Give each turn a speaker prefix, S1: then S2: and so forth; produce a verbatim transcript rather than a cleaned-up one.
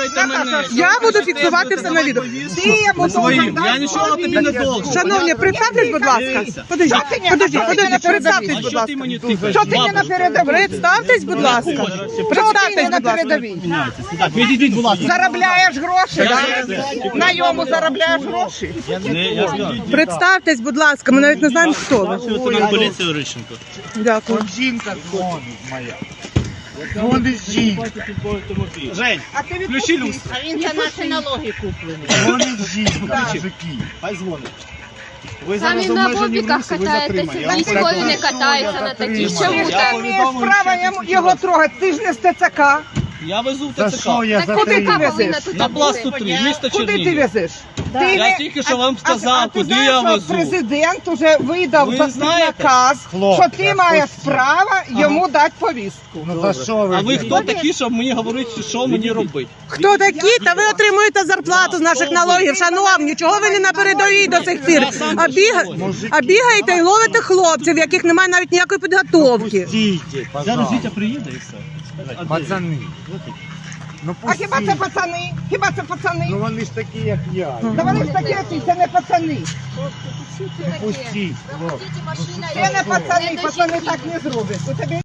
S1: слухайте мене.
S2: Я буду фіксувати все на відео.
S1: Своїм. Я нічого тобі не должен.
S2: Шановні, представтесь, будь ласка. Подождіть, подождіть, подождіть, представтесь, будь
S1: Що
S2: ласка.
S1: ти мені тикаєш?
S3: Що ти не на передовій?
S2: Представтесь, будь ласка.
S3: Що ти
S2: Представтесь,
S3: не на
S2: будь ласка.
S3: передовій?
S1: Відійдіть, будь ласка.
S3: Заробляєш гроші, так? На йому заробляєш гроші.
S2: Представтесь, будь ласка, ми навіть не знаємо, хто ви.
S1: Лейтенант поліції Орищенко.
S2: Дякую.
S4: Жінка дзвонить моя. Дзвонить жінка.
S1: Жень,
S3: А ти
S1: включи люстру.
S5: А він за наші налоги куплений.
S4: Дзвонить жінка, мужики.
S1: Хай дзвонить.
S5: Там він на бобіках катаєтеся, військові не катаються на таких. Чому
S1: Я
S5: так?
S3: Ти маєш право йому- його трогати, ти ж не з ТЦК.
S1: Я везу в
S4: За
S1: ТЦК.
S4: що я
S5: Так куди
S4: затримав?
S5: ти повинна тут
S1: На
S5: бути?
S1: пласту три, місто
S3: Куди ти
S1: Чернігів.
S3: везеш? Ти
S1: Я
S3: не-
S1: тільки що вам
S3: А-
S1: сказав,
S3: а ти
S1: куди
S3: знаєш,
S1: я
S3: що
S1: везу.
S3: Президент уже видав
S1: Ви
S3: за
S1: знаєте?
S3: наказ,
S4: Хлопці,
S3: що ти маєш
S4: хлопці.
S3: право йому дати повістку.
S4: Ну за що ви?
S1: А ви хто такі, щоб мені говорити, що мені робити?
S2: Хто такі? Та ви отримуєте зарплату з наших налогів. Шановні, чого ви не на передовій до цих пір? А, біга... а бігаєте і ловите хлопців, в яких немає навіть ніякої підготовки.
S4: Стійте, пожалуйста.
S1: приїде і все.
S4: Пацани. Ну
S3: А хіба це
S4: пустіть.
S3: пацани? Хіба це пацани?
S4: Ну вони ж такі, як я.
S3: Та вони ж такі, як ти, це не пацани.
S4: Пустіть, хлопці.
S3: Це не пацани, пацани так не зроблять. У тебе